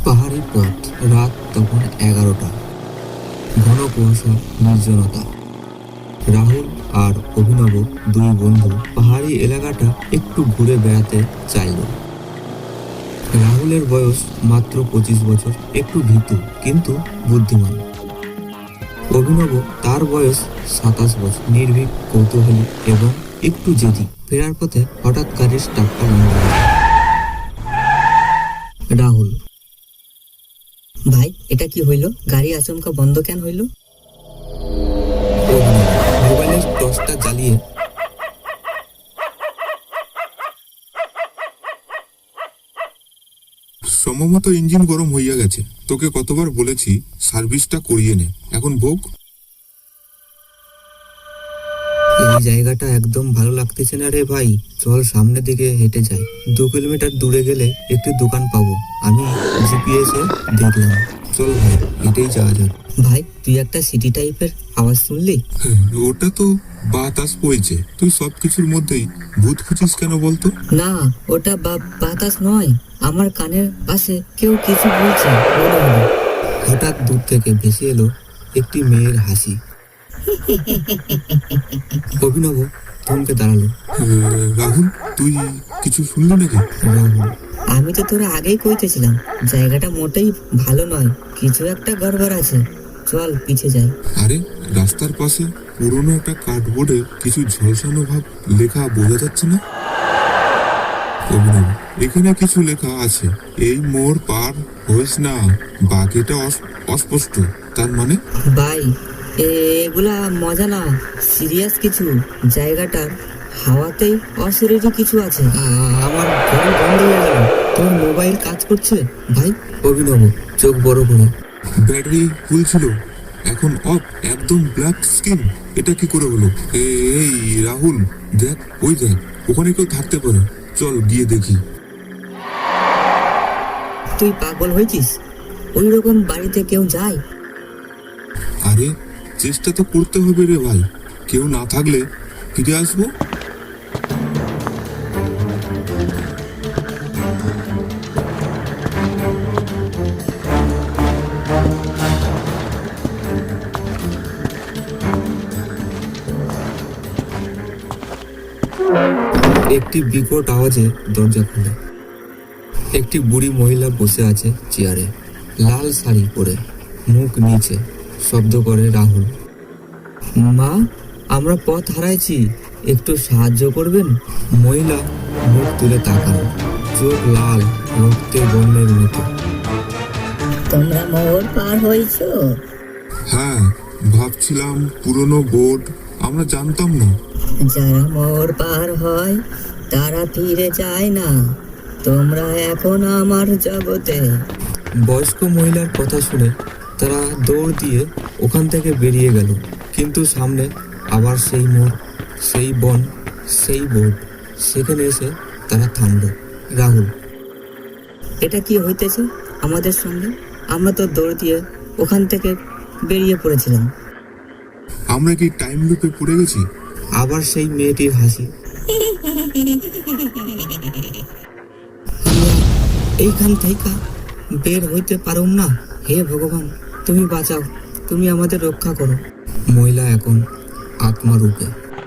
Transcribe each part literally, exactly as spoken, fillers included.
পাহাড়ি পথ, রাত তখন এগারোটা। ঘন কুয়াশা, নির্জনতা। রাহুল আর অভিনব দুই বন্ধু পাহাড়ি এলাকাটা একটু ঘুরে বেড়াতে চাইল। রাহুলের বয়স মাত্র পঁচিশ বছর, একটু ভীতু কিন্তু বুদ্ধিমান। অভিনব, তার বয়স সাতাশ বছর, নির্ভীক, কৌতূহলী এবং একটু জেদি। ফেরার পথে হঠাৎ গাড়ির স্টার্টটা বন্ধ হলো। রাহুল: ভাই, এটা কি হইল? গাড়ি আচমকা বন্ধ কেন হইল? অভিনব মোবাইলের টর্চটা জ্বালিয়ে সম্ভবত ইঞ্জিন গরম হইয়া গেছে। তোকে কতবার বলেছি সার্ভিসটা করিয়ে নে, এখন ভোগ। এই জায়গাটা একদম ভালো লাগতেছে না রে ভাই, চল সামনের দিকে হেঁটে যাই। দু কিলোমিটার দূরে গেলে একটি দোকান পাবো, আমি জিপিএস এ দেখলাম। চল ভাই, হেঁটেই যাওয়া যাক। ভাই, তুই একটা সিটি টাইপের আওয়াজ শুনলি? হ্যাঁ, ওটা তো বাতাস বইছে। তুই সবকিছুর মধ্যেই ভূত খুঁজিস কেন বলতো? না, ওটা বা- বাতাস নয়, আমার কানের পাশে কেউ কিছু বলছে মনে হলো। হঠাৎ দূর থেকে ভেসে এলো একটি মেয়ের হাসি। অভিনব থমকে দাঁড়ালো। হ্যাঁ, রাহুল, তুই কিছু শুনলি নাকি? রাহুল: আমি তো তোরা আগেই কইতেছিলাম, জায়গাটা মোটেই ভালো নয়, কিছু একটা গড়বড় আছে। চল পিছে যাই। আরে, রাস্তার পাশে পুরোনো একটা কার্ডবোর্ডে কিছু ঝলসানো ভাব লেখা বোঝা যাচ্ছে না? অভিনব: এখানে কিছু লেখা আছে, এই মোড় পার হইস না। বাকিটা অস- অস্পষ্ট। তার মানে? ভাই, এ- এগুলা মজা না, সিরিয়াস কিছু। জায়গাটার হাওয়াতেই অশরীরী কিছু আছে। আ- আমার ঘড়ি বন্ধ হয়ে গেল। তোর মোবাইল কাজ করছে ভাই? অভিনব চোখ বড় করে: ব্যাটারি ফুল ছিল, এখন অফ, একদম ব্ল্যাক স্ক্রিন। এটা কি করে হলো? এ- এই রাহুল, দেখ, ওই দেখ, ওখানে কেউ থাকতে পারে। চল গিয়ে দেখি। তুই পাগল হয়েছিস? ওই রকম বাড়িতে কেউ যায়? আরে, চেষ্টা তো করতে হবে রে ভাই। কেউ না থাকলে ফিরে আসবো। একটি বিকট আওয়াজে দরজা খুলে একটি বুড়ি মহিলা বসে আছে চেয়ারে, লাল শাড়ি পরে, মুখ নিচে। শব্দ করে রাহুল: মা, আমরা পথ হারাইছি, একটু সাহায্য করবেন? মহিলা মুখ তুলে তাকান, চোখ লাল, রক্তের বর্ণের মতো। তোমরা মোড় পার হয়েছো? হ্যাঁ, ভাবছিলাম পুরনো বোর্ড, আমরা জানতাম না। যারা মোড় পার হয় তারা ফিরে যায় না। তোমরা এখন আমার জগতে। বয়স্ক মহিলার কথা শুনে তারা দৌড় দিয়ে ওখান থেকে বেরিয়ে গেল, কিন্তু সামনে আবার সেই মোড়, সেই বন, সেই বোর্ড। সেখানে এসে তারা থামল। রাহুল: এটা কি হইতেছে আমাদের সঙ্গে? আমরা তো দৌড় দিয়ে ওখান থেকে বেরিয়ে পড়েছিলাম। আমরা কি টাইম লুপে পড়ে গেছি? আবার সেই মেয়েটির হাসি। আমরা এইখান থেকে বের হইতে পারুম না। হে ভগবান, তুমি বাঁচাও, তুমি আমাদের রক্ষা করো। মহিলা এখন আত্মারূপে।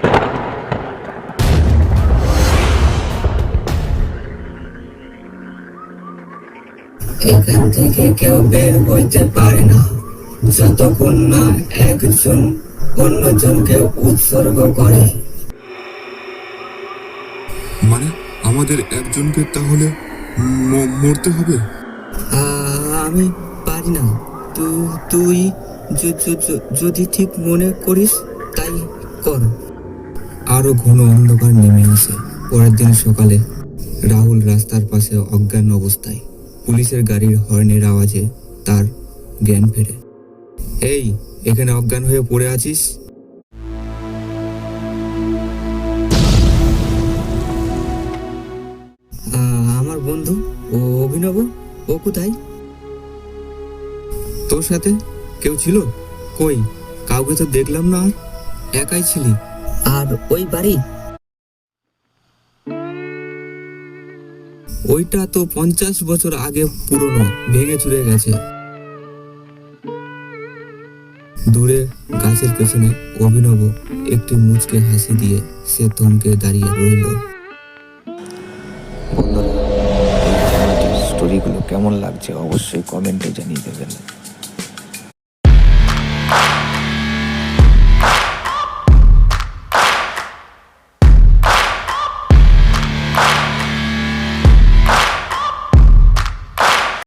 এখান থেকে কেউ বের হইতে পারে না যতক্ষণ না একজন অন্যজনকে উৎসর্গ করে। মানে আমাদের একজনকে তাহলে ম- মরতে হবে? আ- আমি পারি না। তু- তুই য- য- য- যদি ঠিক মনে করিস তাই কর। আরো ঘন অন্ধকার নেমে আসে। পরের দিন সকালে রাহুল রাস্তার পাশে অজ্ঞান অবস্থায়। পুলিশের গাড়ির হর্নের আওয়াজে তার জ্ঞান ফেরে। এই, এখানে অজ্ঞান হয়ে পড়ে আছিস? আ- আমার বন্ধু ও অভিনব, ও কোথায়? তোর সাথে কেউ ছিল? কই, কাউকে তো দেখলাম না। আর একাই ছিলি? আর ওই বাড়ি ওইটা তো পঞ্চাশ বছর আগে পুরনো, ভেঙে চুরে গেছে। দূরে গাছের পেছনে অভিনব একটি মুচকে হাসি দিয়ে সে থমকে দাঁড়িয়ে রইল। বন্ধুরা, এই ধরনের স্টোরিগুলো কেমন লাগছে অবশ্যই কমেন্টে জানিয়ে দেবেন।